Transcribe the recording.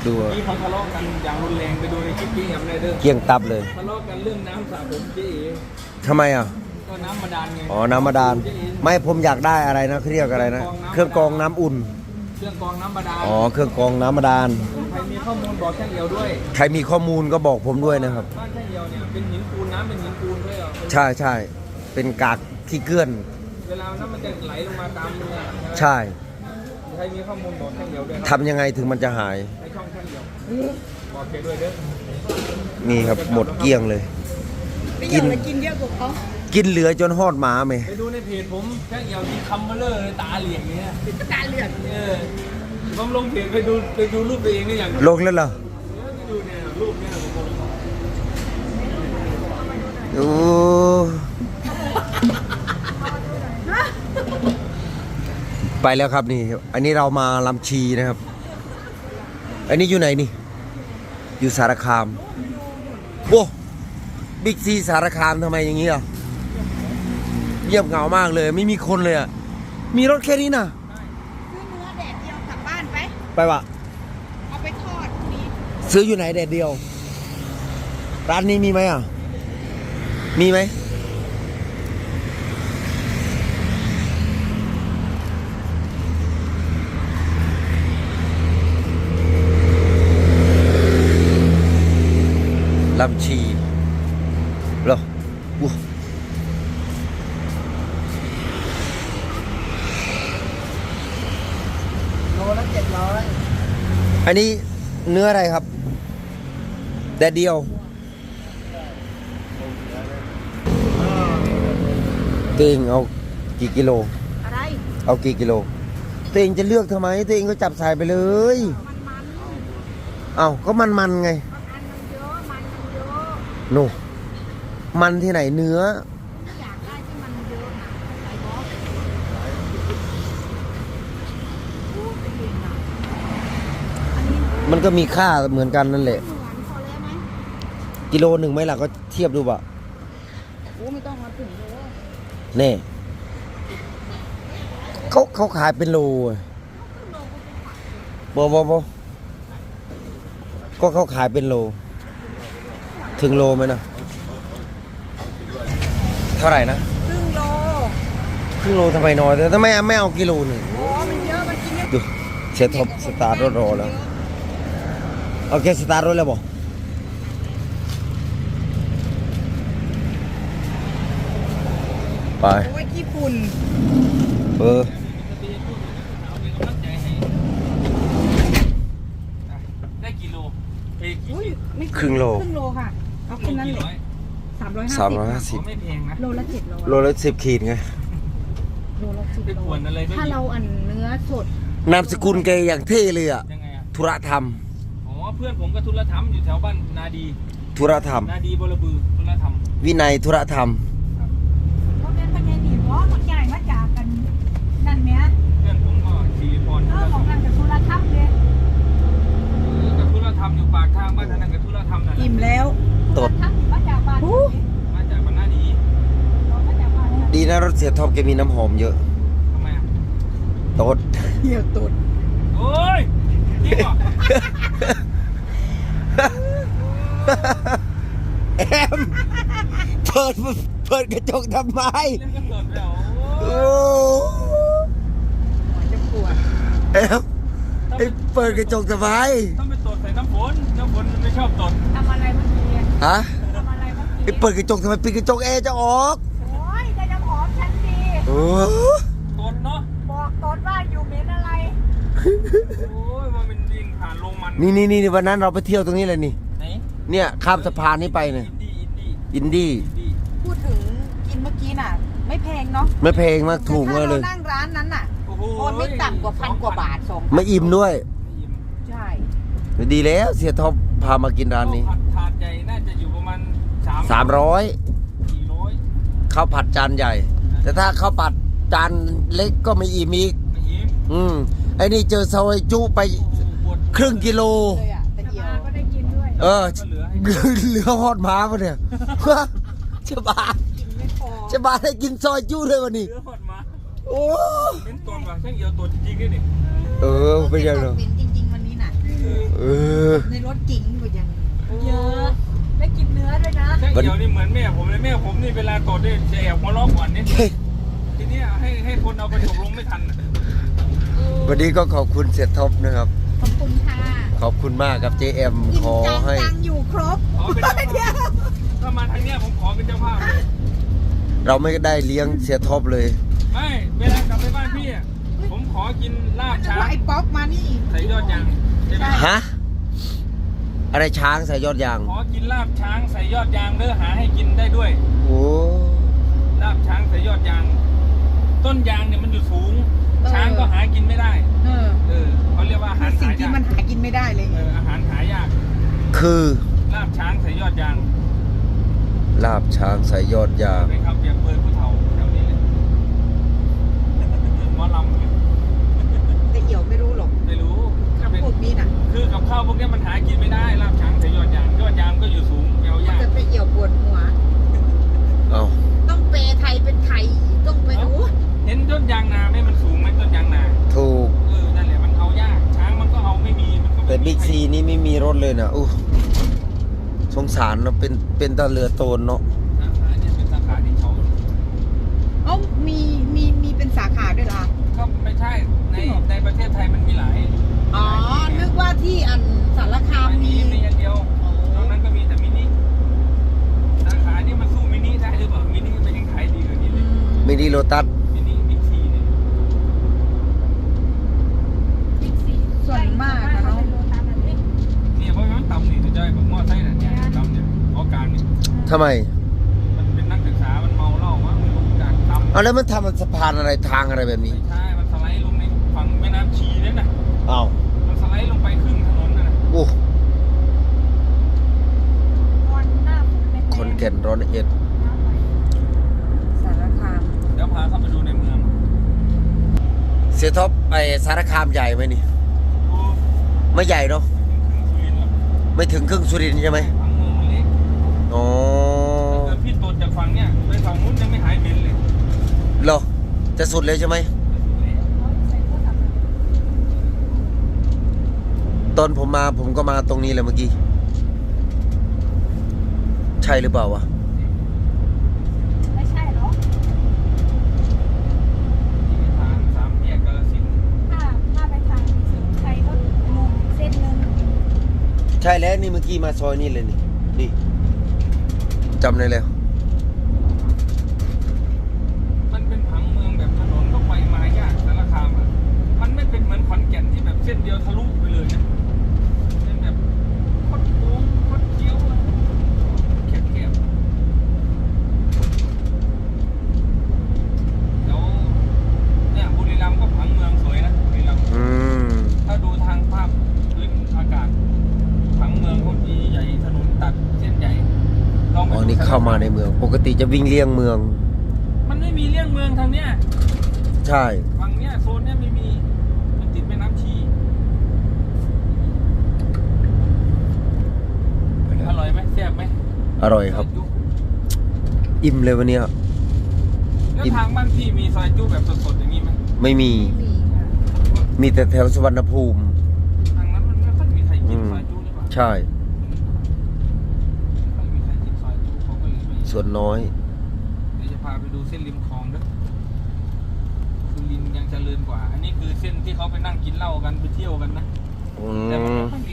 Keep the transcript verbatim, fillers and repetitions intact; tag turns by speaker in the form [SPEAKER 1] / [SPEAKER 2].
[SPEAKER 1] ดู
[SPEAKER 2] ที่เขาทะเลาะกันอย่างรุนแรงไปดูในคลิปที่แอมได้เด้อ
[SPEAKER 1] เกี่ยงตับเลย
[SPEAKER 2] ทะเลาะกันเรื่องน้ำสระผมเจ๊เอ๋
[SPEAKER 1] ทำไมอ่ะ
[SPEAKER 2] ก็น้ำบาดาลไง
[SPEAKER 1] อ๋อน้ำบาดาลไม่ผมอยากได้อะไรนะเขาเรียกอะไรนะเครื่องกรองน้ำอุ่น
[SPEAKER 2] เครื่องกรองน้ำบาดาล
[SPEAKER 1] อ๋อเครื่องกรองน้ำบาดาล
[SPEAKER 2] ใครมีข้อมูลบอกช่างเอียวด้วย
[SPEAKER 1] ใครมีข้อมูลก็บอกผมด้วยนะครับ
[SPEAKER 2] บ้านช่างเอียวเนี่ยเป็นหินปูนน้ำเป็นหินปูนด้วยเหรอ
[SPEAKER 1] ใช่ใช่เป็นกากที่เกลื่อน
[SPEAKER 2] เวลาน้ำมันจะไหลลงมาตามเรือ
[SPEAKER 1] ใช่
[SPEAKER 2] ใครมีข้อมูลบอกช่างเอียวด้วย
[SPEAKER 1] ทำยังไงถึงมันจะหาย
[SPEAKER 2] ในช่องช่างเอียวบอกเคด้วยเด้อ
[SPEAKER 1] นี่ครับหมดเกลี้ยงเลย
[SPEAKER 3] กินกินเยอะกว่าเขา
[SPEAKER 1] กินเหลือจนหอดหมาไหม
[SPEAKER 2] ไปดูในเพจผมช่างเอียวมีคัมเบอร์เลอร์ตาเหลี่ยงเนี่ย
[SPEAKER 3] ตาเหลี่ยง
[SPEAKER 2] เออผมลงเพจไปดูไปดูรูปตัวเองได้อย่าง
[SPEAKER 1] ลงแล้วเหรอ
[SPEAKER 2] ไปดูเนี่ยรูปเนี่ยผม
[SPEAKER 1] โอ้ไปแล้วครับนี่อันนี้เรามาลำชีนะครับอันนี้อยู่ไหนนี่อยู่สารคามโอ้บิ๊กซีสารคามทำไมอย่างนี้อ่ะเงียบเหงามากเลยไม่มีคนเลยอ่ะมีรถแค่นี้นะ
[SPEAKER 3] ซื้อเนื้อแดดเดียวกลับบ้านไป
[SPEAKER 1] ไปวะ
[SPEAKER 3] เอาไปทอดมี
[SPEAKER 1] ซื้ออยู่ไหนแดดเดียวร้านนี้มีไหมอ่ะมีไหมลำชีเหรออู้
[SPEAKER 3] โลละเจ็ดร้อย
[SPEAKER 1] อันนี้เนื้ออะไรครับแดดเดียวเต็งเอากี่กิโล
[SPEAKER 3] อะไร
[SPEAKER 1] เอากี่กิโลเต็งจะเลือกทำไมเต็งก็จับใส่ไปเลยเอ้าก็มันมันไงโน่มันที่ไหนเนื้ออยากได้ที่มันเยอะนะไอ้บอสมันก็มีค่าเหมือนกันนั่นแหละกิโลหนึ่งไหมล่ะก็เทียบดูบ่ะ
[SPEAKER 3] โอ้ไม่ต้องมาถึงเลย
[SPEAKER 1] เน่เขาเขาขายเป็นโลบอบอบก็เขาขายเป็นโลถึงโลไหมนะเท่าไหร่นะ
[SPEAKER 3] ครึ่งโล
[SPEAKER 1] ครึ่งโลทำไมน้อยแต่ทำไมไม่เอากิโลหนึ่ง
[SPEAKER 3] โอ้มันเยอะมันกินเยอะ
[SPEAKER 1] ดูเช็ดท็อปสตาร์ทรถรอแล้วโอเคสตาร์ทรถแล้วบอกไป
[SPEAKER 3] โอ้ยขี้ฝุ่น
[SPEAKER 1] เออ
[SPEAKER 2] ได้กิโล
[SPEAKER 1] ครึ่งโล
[SPEAKER 3] ครึ่งโลค่ะเอาแค่นั้นเลยสามร้อยห้าสิบ
[SPEAKER 1] สามร้อยห้าสิบ
[SPEAKER 2] ไม่แพงนะ
[SPEAKER 3] โลละเจ็ดร้อย
[SPEAKER 1] โลละสิบขีดไง
[SPEAKER 3] โลละสิบถ้าเราอันเนื้อสด
[SPEAKER 1] นามสกุลแกอย่างเท่เลยอ่ะธุระธรรม
[SPEAKER 2] อ๋อเพื่อนผมก็ธุระธรรมอยู่แถวบ้านนาดี
[SPEAKER 1] ธุระธรรม
[SPEAKER 2] นาดีบลบือธุระธรรม
[SPEAKER 1] วินัยธุระธรรม
[SPEAKER 3] เขาเป็นพญานีเพราะมันใหญ่มาจากกันนั่นเนี้ย
[SPEAKER 2] เพื่อนผมก็ชีพร
[SPEAKER 3] เออของนั่นกับธุระธรรมเลย
[SPEAKER 2] กับธุระธรรมอยู่ปากทางบ้านนั่นกับธุระธรรมนั่น
[SPEAKER 3] อิ่มแล้ว
[SPEAKER 1] ตด
[SPEAKER 3] มาจากบ้าน
[SPEAKER 2] มาจากบ้านนาดี
[SPEAKER 1] ดีนะรถเสียท็อปแกมีน้ำหอมเยอะ
[SPEAKER 2] ทำไมอ่ะ
[SPEAKER 1] ตด
[SPEAKER 3] เหี้ยตด
[SPEAKER 2] โอ้ยจริงเหรอ
[SPEAKER 1] แอมเปิดเปิดกระจกทำไมโอ้
[SPEAKER 3] จะปวด
[SPEAKER 1] แอมไอ้เปิดกระจกทำไม
[SPEAKER 2] ต้องไปตดใส่น้ำฝนน้ำฝนมันไม่ชอบตด
[SPEAKER 3] ทำอะไรเมื่อกี้
[SPEAKER 1] ฮะ
[SPEAKER 3] ทำอะไรเมื่อกี้
[SPEAKER 1] ไอ้เปิดกระจกทำไมปิดกระจกแอร์จะออก
[SPEAKER 3] โอ้ยได้น้ำหอมฉันดี
[SPEAKER 1] โอ้
[SPEAKER 2] ตดเนาะ
[SPEAKER 3] บอกตดว่าอยู่เหม็นอะไร
[SPEAKER 2] โอ้ยมันเป็นดินผ่านลงมัน
[SPEAKER 1] นี่นี่นี่วันนั้นเราไปเที่ยวตรงนี้เลยนี่
[SPEAKER 2] ไหน
[SPEAKER 1] เนี่ยข้ามสะพานนี้ไปเนี่ยอินดี้
[SPEAKER 3] พูดถึงกินเมื่อกี้น่ะไม่แพงเนาะ
[SPEAKER 1] ไม่แพงมากถูกเลย
[SPEAKER 3] นั่งร้านนั้นน่ะโอนไม่ต่ำกว่าพันกว่าบาทสอง
[SPEAKER 1] ไม่อิ่มด้วย
[SPEAKER 3] ใช่
[SPEAKER 1] ดีแล้วเสียท็อปพามากินร้านนี้
[SPEAKER 2] ถาดใหญ่น่าจะอยู่ประมาณ
[SPEAKER 1] สามร้อย
[SPEAKER 2] สี่ร้อย
[SPEAKER 1] ข้าวผัดจานใหญ่แต่ถ้าข้าวผัดจานเล็กก็ไม่อิ่มอีกอืมไอ้นี่เจอซอยจุไปครึ่งกิโลเออเหลือฮอดม้าปะเนี่ยเจ้าบ้าเจ้าบ้าได้กินซอยจุเลยวันนี้โอ้
[SPEAKER 2] เป็นตัวว่ะช่างเอียวตัวจริงๆด้วยนี่
[SPEAKER 1] เออเป็นยังไง
[SPEAKER 3] เป็นจริงๆวันนี้น่ะ
[SPEAKER 1] เออ
[SPEAKER 2] เหี่ยวนี่เหมือนแม่ผมเลยแม่ผมนี่เวลาโกรธนี่จะแอบหัวเราะก่อนนี่ทีนี้ให้ให้คนเอาไปถกลงไม่ทัน
[SPEAKER 1] วันนี้ก็ขอบคุณเสียท็อปนะครับ
[SPEAKER 3] ขอบคุณค่ะ
[SPEAKER 1] ขอบคุณมากครับ เจ เอ็ม
[SPEAKER 3] อิ่
[SPEAKER 1] ข
[SPEAKER 3] ม
[SPEAKER 1] อ
[SPEAKER 3] จัง
[SPEAKER 1] ให้
[SPEAKER 3] จังอยู่ครบ
[SPEAKER 2] ขอเป็นเจ้า
[SPEAKER 3] เดีย
[SPEAKER 2] ภาว พถ้ามาทางเนี้ยผมขอเป็นเจ้าภาพเลย
[SPEAKER 1] เราไม่ได้เลี้ยงเสียท็อปเลย
[SPEAKER 2] ไม่เวลากลับไปบ้านพี่อ่ะผมขอกินลาบช้าง
[SPEAKER 3] ว่าไอ้ป๊อกมานี่
[SPEAKER 2] ใส่ยอดยางใช่ไหม
[SPEAKER 1] ฮะ อะไรช้างใส่ยอดยาง
[SPEAKER 2] ขอกินลาบช้างใส่ยอดยางเด้อหาให้กินได้ด้วย
[SPEAKER 1] โอ้
[SPEAKER 2] ลาบช้างใส่ยอดยาง ต้นยางเนี่ยมันอยู่สูง ช้างก็หากินไม่ได้
[SPEAKER 3] เออ
[SPEAKER 2] เออเขาเรียกว่าอา
[SPEAKER 3] คื
[SPEAKER 2] หา
[SPEAKER 3] อ
[SPEAKER 2] ร
[SPEAKER 3] สิ่ง
[SPEAKER 2] หายา
[SPEAKER 3] ที่
[SPEAKER 2] ก
[SPEAKER 3] มันหากินไม่ได้เลย
[SPEAKER 2] เอออาหารหายาก
[SPEAKER 1] คือ
[SPEAKER 2] ลาบช้างใส่ยอดยาง
[SPEAKER 1] ลาบช้างใส่ยอดยาง
[SPEAKER 2] เป็นคำเปรียบเปรยผู้เฒ่าแถวนี้เลยหมอลำเลย
[SPEAKER 3] แต่เหี่ยวไม่รู้หรอก
[SPEAKER 2] ไม่รู้ก็เป็น
[SPEAKER 3] พวกนี้น่ะ
[SPEAKER 2] คือกับข้าวพวกเนี้ยมันหากินไม่ได้ลาบช้างใส่ยอดยางยอดยางก็อยู่สูงแปลวยาก
[SPEAKER 3] จะไปเหี่ยวปวดหัว
[SPEAKER 1] เอา
[SPEAKER 3] ต้องเปย์ไทยเป็นไทย ต้องไปโอ้
[SPEAKER 2] เห็นต้นยางนาไหมมันสูงไหมต้นยางนา
[SPEAKER 1] ถูก
[SPEAKER 2] เออนั่นแหละมันเอายากช้างมันก็เอาไม่มีมันก็ไม่
[SPEAKER 1] แต่บิ๊กซีนี่ไม่มีรถเลยนะอู้สงสารเนอะเป็นเป็นตะเรือโตนเนาะ
[SPEAKER 2] สาขาเนี่ยเป็นสาขาที่เขา
[SPEAKER 3] เอ้ามีมีมีเป็นสาขาด้วยเหรอ
[SPEAKER 2] ก็ไม่ใช่ในในประเทศไทยมันมีหลาย
[SPEAKER 3] อ๋อ นึกว่าที่อันสารคาม
[SPEAKER 2] ไม่มี
[SPEAKER 3] มี
[SPEAKER 2] มีอันเดียวนอกนั้นก็มีแต่มินิสาขานี่มันสู้มินิได้หรือเปล่ามินิมันยังขายดีกว่านี้เลย
[SPEAKER 1] มินิโลตัส
[SPEAKER 2] มินิบิ๊กซีเนี่ย
[SPEAKER 3] ส่วนมากนะเนาะ
[SPEAKER 2] เนี่ยเพราะมันต่ำนี่จะจ้อยแบบมอไซค์น่ะเนี่ยต่ำเนี่ยเพราะการเนี่ย
[SPEAKER 1] ทำไม
[SPEAKER 2] มันเป็นนักศึกษามันเมาเหล้ามั้งมันลงการต่ำ
[SPEAKER 1] เอาแล้วมันทำมันสะพานอะไรทางอะไรแบบนี้
[SPEAKER 2] ไม่ใช่ มันสไลด์ลงในฝั่งแม่น้ำชีนั่นน่ะ
[SPEAKER 1] อ้าว
[SPEAKER 2] มันสไลด์ลงไปครึ่งถนนน่ะนะ
[SPEAKER 1] โอ้คนแก่นร้อนเอ็ด
[SPEAKER 3] สารคาม
[SPEAKER 2] เดี๋ยวพาเข้าไปดูในเมือง
[SPEAKER 1] เสียท็อปไอสารคามใหญ่ไหมนี่
[SPEAKER 2] โอ้
[SPEAKER 1] ไม่ใหญ่เนาะ
[SPEAKER 2] ไม่ถึงสุรินทร์หรอก
[SPEAKER 1] ไม่ถึงครึ่งสุรินทร์ใช่ไหม
[SPEAKER 2] ทั้งเมืองมันเล็ก
[SPEAKER 1] อ๋อ
[SPEAKER 2] เกิดพี่ตดจากฝั่งเนี้ยไปฝั่งนู้นยังไม่หายเหม็นเลย
[SPEAKER 1] เหรอจะสุดเลยใช่ไหมตอนผมมาผมก็มาตรงนี้แหละเมื่อกี้ ใช่หรือเปล่าวะ
[SPEAKER 3] ไม่ใช่หรอ
[SPEAKER 2] ที่ทางสามแยกกาฬสินธุ์
[SPEAKER 3] ถ้าถ้าไปทางสุดไทยก็งงเส้นหนึ่ง
[SPEAKER 1] ใช่แล้วนี่เมื่อกี้มาซอยนี่เลยนี่นี่จำได้แล้ว
[SPEAKER 2] มันเป็นผังเมืองแบบถนนก็ไปมายากสารคามอ่ะมันไม่เป็นเหมือนขอนแก่นที่แบบเส้นเดียวทะลุไปเลยนะเป็นแบบคดโค้งคดเกี้ยวอะแคบๆแล้วเนี่ยบุรีรัมย์ก็ผังเมืองสวยนะบุรีรัมย์
[SPEAKER 1] อืม
[SPEAKER 2] ถ้าดูทางภาพพื้นอากาศผังเมืองเขาดีใหญ่ถนนตัดเส้นใหญ่ลองไป
[SPEAKER 1] อ๋อ
[SPEAKER 2] ดู
[SPEAKER 1] นี่เข้ามาในเมือง ปกติจะวิ่งเลี่ยงเมือง
[SPEAKER 2] มันไม่มีเลี่ยงเมืองทางเนี้ย
[SPEAKER 1] ใช่
[SPEAKER 2] ฝั่งเนี้ยโซนเนี้ยไม่มีมันติดแม่น้ำชี อร่อยไหมแซ่บไหม
[SPEAKER 1] อร่อยครับ
[SPEAKER 2] ซจุ
[SPEAKER 1] อิ่มเลยวันเนี้ย
[SPEAKER 2] แล้วทางบ้านพี่มีซอยจุแบบสดๆอย่างนี้ไหม
[SPEAKER 1] ไม่มี
[SPEAKER 3] ไม่มีค่ะ
[SPEAKER 1] มีแต่แถวสุวรรณภูมิ
[SPEAKER 2] ทางนั้นมันไม่ค่อยมีใครกินซอยจุหรือเปล่า
[SPEAKER 1] ใช่
[SPEAKER 2] ไม่ค่อยมีใครกินซอยจุเขาก็เลยไม่
[SPEAKER 1] ส่วนน้อย
[SPEAKER 2] เดี๋ยวจะพาไปดูเส้นริมคลองด้วยสุรินทร์ยังเจริญกว่า อันนี้คือเส้นที่เขาไปนั่งกินเหล้ากันไปเที่ยวกันนะ
[SPEAKER 1] อื
[SPEAKER 2] แต่มัน
[SPEAKER 1] ม
[SPEAKER 2] ไม่ค่อยมี